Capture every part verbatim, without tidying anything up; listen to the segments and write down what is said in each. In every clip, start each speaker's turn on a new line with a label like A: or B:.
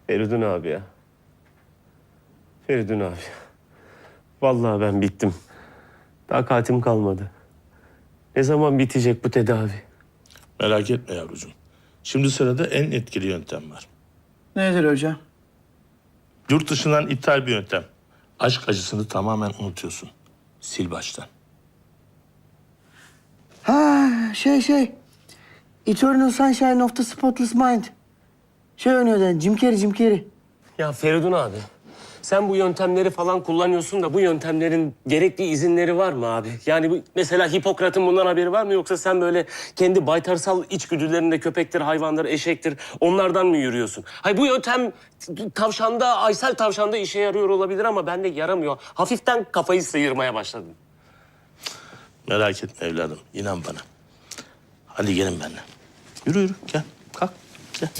A: Feridun abi ya. Feridun abi. Vallahi ben bittim. Takatim kalmadı. Ne zaman bitecek bu tedavi?
B: Merak etme yavrucuğum. Şimdi sırada en etkili yöntem var.
C: Nedir hocam?
B: Yurt dışından ithal bir yöntem. Aşk acısını tamamen unutuyorsun. Sil baştan.
C: Ha şey şey. Eternal Sunshine of the Spotless Mind. Şey oynuyordu, Jim Carrey, Jim Carrey.
A: Ya Feridun abi, sen bu yöntemleri falan kullanıyorsun da bu yöntemlerin gerekli izinleri var mı abi? Yani bu, mesela Hipokrat'ın bundan haberi var mı? Yoksa sen böyle kendi baytarsal içgüdülerinde köpektir, hayvandır, eşektir onlardan mı yürüyorsun? Hayır bu yöntem tavşanda, Aysel tavşanda işe yarıyor olabilir ama bende yaramıyor. Hafiften kafayı sıyırmaya başladım.
B: Merak etme evladım. İnan bana. Hadi gelin benimle. Yürü yürü gel. Kalk gel.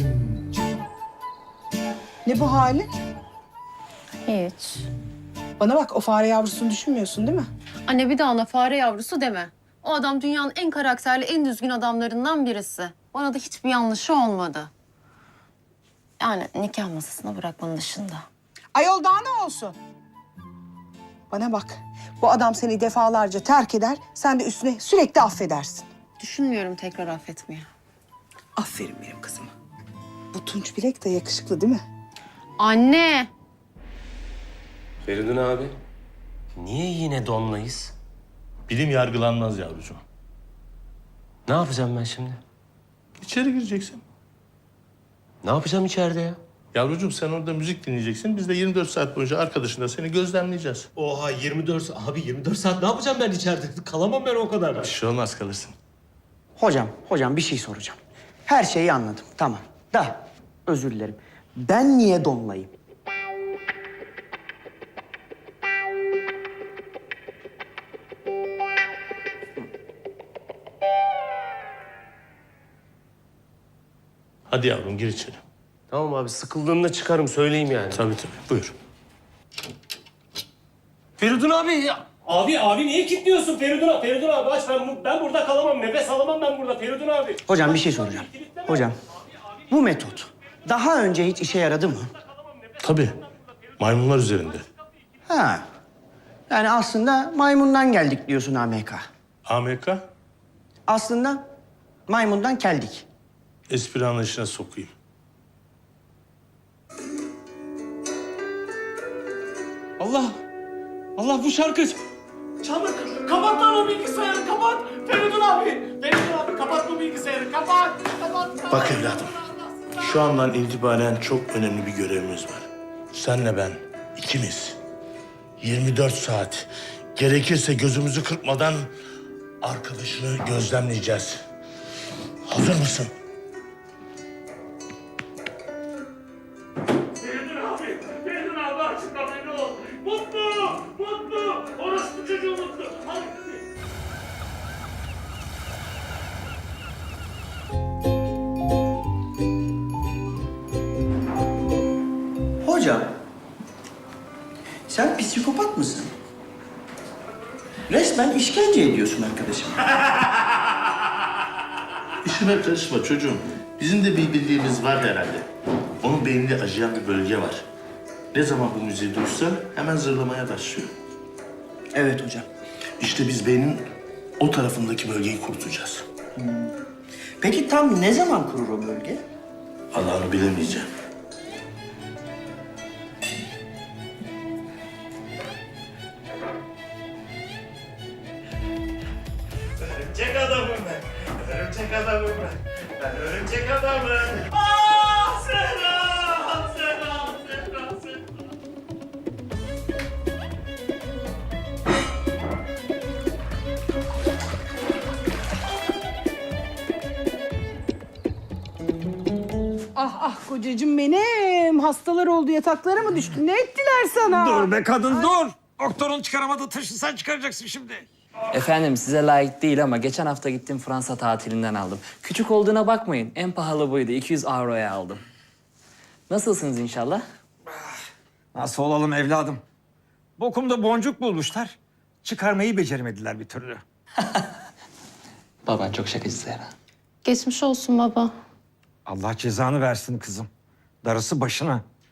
D: Ne bu hali?
E: Hiç.
D: Bana bak, o fare yavrusunu düşünmüyorsun değil mi?
E: Anne bir daha ona fare yavrusu deme. O adam dünyanın en karakterli, en düzgün adamlarından birisi. Bana da hiçbir yanlışı olmadı. Yani nikah masasına bırakmanın dışında.
D: Ayol daha ne olsun? Bana bak, bu adam seni defalarca terk eder, sen de üstüne sürekli affedersin.
E: Düşünmüyorum tekrar affetmeye.
D: Aferin benim kızıma. Bu Tunç Bilek de yakışıklı değil mi?
E: Anne!
A: Feridun abi, niye yine donlayız?
B: Bilim yargılanmaz yavrucuğum.
A: Ne yapacağım ben şimdi?
B: İçeri gireceksin.
A: Ne yapacağım içeride ya?
B: Yavrucuğum sen orada müzik dinleyeceksin. Biz de yirmi dört saat boyunca arkadaşınla seni gözlemleyeceğiz.
F: Oha yirmi dört abi yirmi dört saat ne yapacağım ben içeride? Kalamam ben o kadar.
B: Bir şey olmaz kalırsın.
C: Hocam, hocam bir şey soracağım. Her şeyi anladım, tamam. Da, özür dilerim. Ben niye donlayayım?
B: Hadi yavrum gir içeri.
A: Tamam abi, sıkıldığımda çıkarım, söyleyeyim yani.
B: Tabii tabii buyur.
A: Feridun abi ya. Abi, abi niye kilitliyorsun Feridun abi? Feridun abi aç, ben, ben burada kalamam, nefes alamam ben burada Feridun abi.
C: Hocam bir şey soracağım. Hocam, bu metot daha önce hiç işe yaradı mı?
B: Tabii. Maymunlar üzerinde.
C: Ha. Yani aslında maymundan geldik diyorsun A M K.
B: A M K
C: Aslında maymundan keldik.
B: espri anlayışına sokayım.
F: Allah! Allah bu şarkı...
A: Çabuk kapat lan o bilgisayarı, kapat. Feridun abi, Feridun abi kapat bu bilgisayarı, kapat, kapat. kapat.
B: Bak evladım. Şu andan itibaren çok önemli bir görevimiz var. Senle ben ikimiz yirmi dört saat gerekirse gözümüzü kırpmadan arkadaşını gözlemleyeceğiz. Hazır mısın?
A: Feridun abi, Feridun abi açıkla beni ol. Mutlu, mutlu, orospu çocuğu mutlu. Hadi.
C: Hocam, sen psikopat mısın? Resmen işkence ediyorsun arkadaşım.
B: İşime karışma çocuğum. Bizim de bir bildiğimiz var herhalde. Onun beyninde acıyan bir bölge var. Ne zaman bu müziği duysa hemen zırlamaya başlıyor.
C: Evet hocam.
B: İşte biz beynin o tarafındaki bölgeyi kurutacağız.
C: Peki tam ne zaman kurur o bölge?
B: Allah'ını bilemeyeceğim.
A: Örümcek adamım ben, örümcek adamım ben. Ben örümcek adamım. Aa, selam, selam, selam, selam.
D: Ah ah kocacığım benim. Hastalar oldu, yataklara mı düştün? Ne ettiler sana?
F: Dur be kadın dur! Doktorun çıkaramadığı taşı sen çıkaracaksın şimdi.
G: Efendim size layık değil ama geçen hafta gittim Fransa tatilinden aldım. Küçük olduğuna bakmayın. En pahalı buydu. iki yüz avroya aldım. Nasılsınız inşallah?
F: Nasıl olalım evladım? Bokumda boncuk bulmuşlar. Çıkarmayı beceremediler bir türlü.
G: Baban çok şakacı Zehra.
E: Geçmiş olsun baba.
F: Allah cezanı versin kızım. Darısı başına.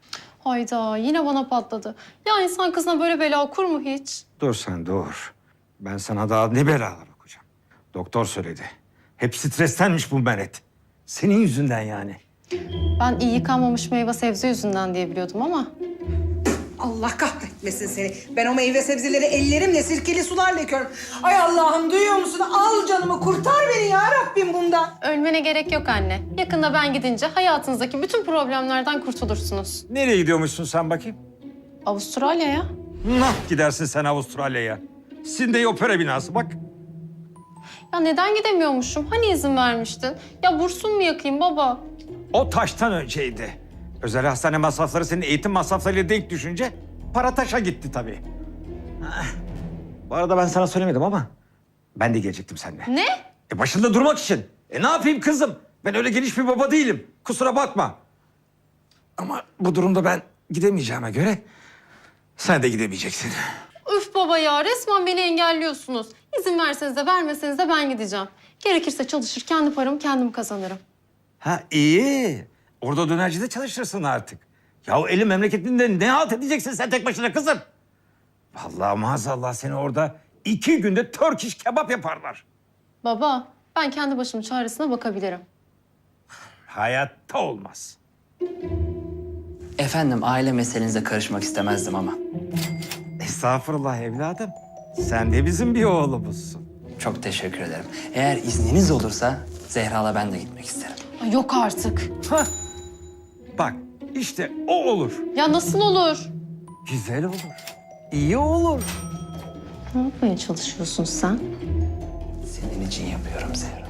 E: Hayda yine bana patladı. Ya insan kızına böyle bela okur mu hiç?
F: Dur sen dur. Ben sana daha ne belalar okuyacağım. Doktor söyledi. Hep strestenmiş bu Meret. Senin yüzünden yani.
E: Ben iyi yıkanmamış meyve sebze yüzünden diye biliyordum ama...
D: Allah kahretmesin seni. Ben o meyve sebzeleri ellerimle sirkeli sularla yıkıyorum. Ay Allah'ım duyuyor musun? Al canımı kurtar beni ya Rabbim bundan.
E: Ölmene gerek yok anne. Yakında ben gidince hayatınızdaki bütün problemlerden kurtulursunuz.
F: Nereye gidiyormuşsun sen bakayım?
E: Avustralya'ya.
F: Nah gidersin sen Avustralya'ya. Sydney Opera binası bak.
E: Ya neden gidemiyormuşum? Hani izin vermiştin? Ya bursum mu yakayım baba?
F: O taştan önceydi. Özel hastane masrafları senin eğitim masraflarıyla denk düşünce para taşa gitti tabii. Ah. Bu arada ben sana söylemedim ama ben de gelecektim seninle.
E: Ne?
F: E başında durmak için. E ne yapayım kızım? Ben öyle geniş bir baba değilim. Kusura bakma. Ama bu durumda ben gidemeyeceğime göre sen de gidemeyeceksin.
E: Üf baba ya resmen beni engelliyorsunuz. İzin verseniz de vermeseniz de ben gideceğim. Gerekirse çalışır kendi paramı kendim kazanırım.
F: Ha iyi. Orada dönercide çalışırsın artık. Ya eli memleketinde ne halt edeceksin sen tek başına kızım? Vallahi maazallah seni orada iki günde Turkish kebap yaparlar.
E: Baba ben kendi başımın çaresine bakabilirim.
F: Hayatta olmaz.
G: Efendim aile meselenize karışmak istemezdim ama.
F: Estağfurullah evladım. Sen de bizim bir oğlumuzsun.
G: Çok teşekkür ederim. Eğer izniniz olursa Zehra'la ben de gitmek isterim.
E: Ay, yok artık.
F: Hah. Bak işte o olur.
E: Ya nasıl olur?
F: Güzel olur. İyi olur.
E: Ne yapmaya çalışıyorsun sen?
G: Senin için yapıyorum Zehra.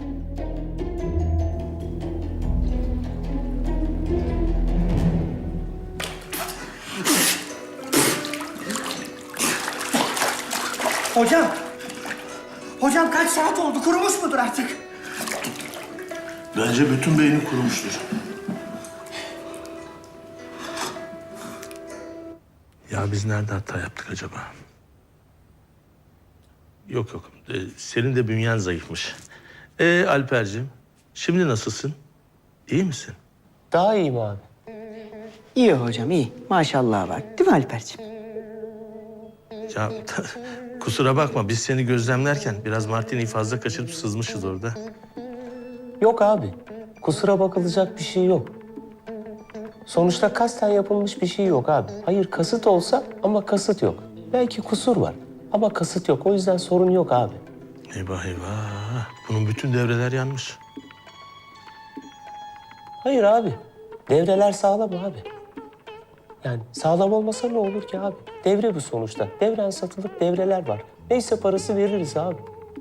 C: Hocam. Hocam kaç saat oldu? Kurumuş mudur artık?
B: Bence bütün beyni kurumuştur. Ya biz nerede hata yaptık acaba? Yok yok. Ee, senin de bünyen zayıfmış. Ee Alperciğim, şimdi nasılsın? İyi misin?
A: Daha iyiyim abi.
C: İyi hocam iyi. Maşallah var. Değil mi Alperciğim?
B: Ya kusura bakma biz seni gözlemlerken biraz Martini'yi fazla kaçırıp sızmışız orada.
A: Yok abi. Kusura bakılacak bir şey yok. Sonuçta kasten yapılmış bir şey yok abi. Hayır kasıt olsa ama kasıt yok. Belki kusur var ama kasıt yok. O yüzden sorun yok abi.
B: Eyvah eyvah. Bunun bütün devreler yanmış.
A: Hayır abi. Devreler sağlam abi. Yani sağlam olmasa ne olur ki abi? Devre bu sonuçta. Devren satılık devreler var. Neyse parası veririz abi.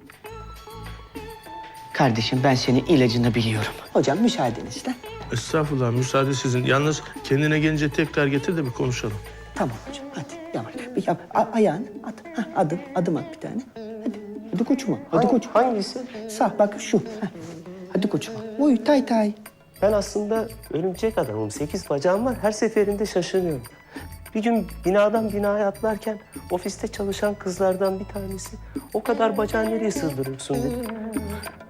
C: Kardeşim ben senin ilacını biliyorum. Hocam müsaadenizle.
B: Estağfurullah müsaade sizin. Yalnız kendine gelince tekrar getir de bir konuşalım.
C: Tamam hocam hadi yavaş. Bir yap. A- ayağını at. Hah, adım, adım at bir tane. Hadi. Hadi koçuma. Hadi
A: Hangi-
C: koçum.
A: Hangisi?
C: Sağ bak şu. Heh. Hadi koçuma. Uy tay tay.
A: Ben aslında örümcek adamım. Sekiz bacağım var. Her seferinde şaşırıyorum. Bir gün binadan binaya atlarken ofiste çalışan kızlardan bir tanesi o kadar bacağı nereye sığdırıyorsun dedi.